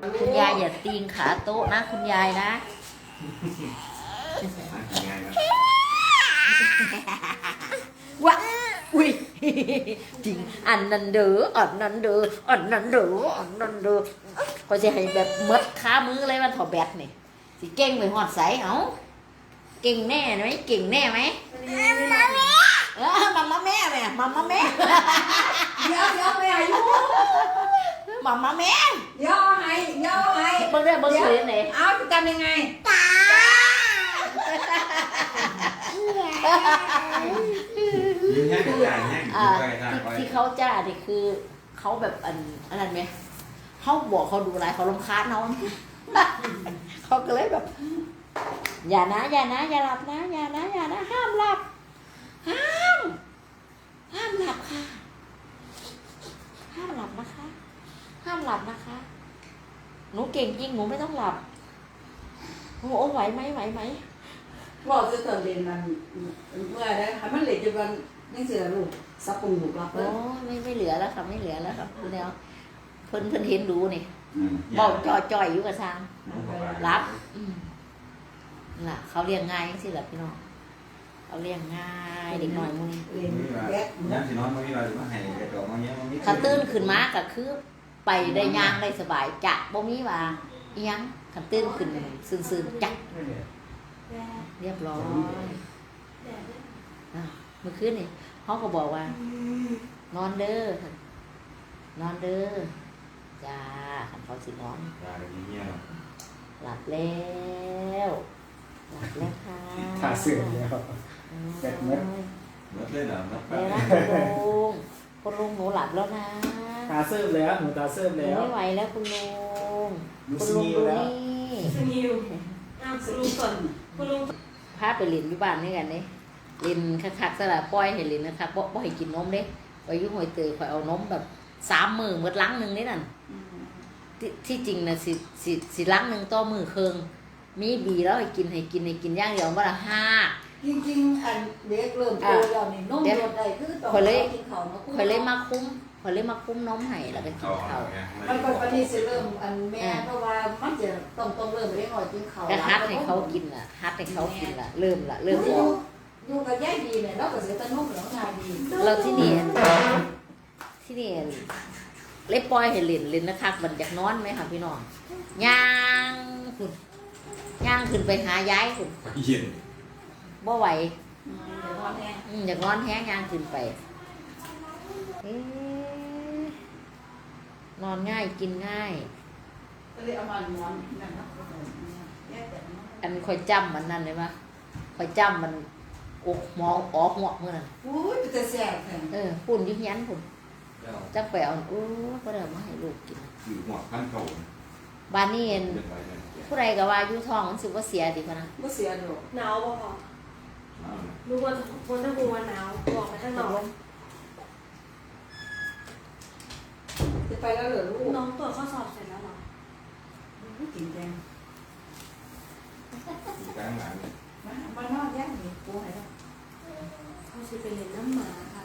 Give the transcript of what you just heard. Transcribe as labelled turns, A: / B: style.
A: คุณยายอย่าตีงขาโต๊ะนะคุณยายนะวะอุ้ยจริงอันนั้นเด้ออันนั้นเด้ออันนั้นเด้ออันนั้นเด้อก็จะให้แบบมัดขามืออะไรมันถอดแบตนี่สิเก่งไปหอดใสเอาเก่งแน่ไหมเก่งแน่ไหมมัมมาแม่แม่มัมมาแม่
B: เดี๋ยวไม่อายุ
A: มัมมาแม่
B: ย่อให้
A: เบิ่งได้เบิ่งสวยไหน
B: เอาจะทำยังไง
A: ที่เขาจ้าเนี่ยคือเขาแบบอันนั้นไหมเขาบอกเขาดูอะไรเขารำคาญเขาเขาก็เลยแบบอย่านะอย่าหลับนะอย่านะห้ามหลับห้ามหลับค่ะห้ามหลับนะคะห้ามหลับนะคะหนูเก่งจริงหนูไม่ต้องหลับโอ้ไหวไหม
B: บอกจะเติมเรียนมันเมื่อได้ค่ะมันเหลือจะวันนี่เสือลูกสับปุ่งลูกรับเล
A: โอ้
B: ย
A: ไม่เหลือแล้วค่ะไม่เหลือแล้วครับคุณแล้วเพิ่นเห็นดูนี่บอกจ่อยอยู่กับซางรับน่ะเขาเลี้ยงง่ายสิล่ะพี่น้องเขาเลี้ยงง่ายเด็กน้อยมื้อนี้
C: ยังสินอนมื้อนี้เราสิมาให้กระจอกมาเงี้ยมันมี
A: ถ้าตื่นขึ้นมาก็คือไปได้ย่างได้สบายจะบ่มีว่าอีหยังคันตื่นขึ้นซื่นๆจักเรียบร้อยเมื่อคืนนี่เขาก็บอกว่านอนเด้อนอนเด้อจ้าคันเขาสินอนหลับแล้วค่ะ
D: ขาเสื่อมแล้วเสร็จเมื่อ
C: เลยเหรอ
A: แล้วคุณลุงหนูหลับแล้วนะ
D: ตาเสื่อมแล้วหนูตาเสื่อมแล้ว
A: ไม่ไหวแล้วคุณลุง
D: คุณลุงดูนี่
B: สนิวคุณลุงก่อนคุณลุง
A: พาไปเล่นอยู่บ้านนี่กันนี่เล่นคักๆสลับปล่อยให้เล่นนะครับบ่ให้กินนมเด้ไปยุ่งหอยเตยคอยเอานมแบบ3 มื้อหมดลังนึงนี่นั่นที่จริงนะสิลังนึงต่อมื้อครึ่งมีบีแล้วให้กินอย่างเดียวว่าละ5
B: จริงๆอันเด็กเริ่มโตแล้วนี่นมรดได้คือต้องกินข้าวเนาะ
A: คอยเลยมาคุ้มนมให้แล้วก็กินข้าว
B: มันก็ปฏิเสธเริ่มอันแม่เพราะว่ามันจะต้องเริ่มเลี้ยงหน่อยกินข้าว
A: ก็ฮัดให้เขากินล่ะเริ่มออก
B: อยู่กับยายดีเนี่ยเราก็เสียตะนุ่มแล้วงานดี
A: เราที่นี่เลยปล่อยให้เล่นนะคะมันอยากนอนไหมค่ะพี่น้องย่างขึ้นไปหายายคุณบ่ไหวอยากนอนแห้งย่างขึ้นไปนอนง่ายกินง่ายอันคอยจำมันนั่นเลยปะคอยจำมันอกหมอออกหัวเมื่อนั้น
B: อุ้ยจะแสบ
A: ปุ่นยุ่งยันปุ่นจักไปเอาก็เดี๋ยวมาให้ลูกกิน
C: อยู่หัวขั้นเก่า
A: บ้านนี้ผู้ใดก็ว่าอยู่ท้องมันสึกว่าเสียดีกว่านะ
B: ไม่เสียดอก
E: หนาวบ่พอรู้ว่าคนทั้งกรุงวันหนาวบอกไปข้างนอก
B: จะไปแล้วเหรอลูก
E: น้องตรวจข้อสอบเสร็จแล้วหรอ
B: ไม่กินแดง
C: กลางหลัง
B: มันนอกแยกนี่ปูไหนล่ะ
E: เขาจะไปเรียนน้ำหมาค่ะ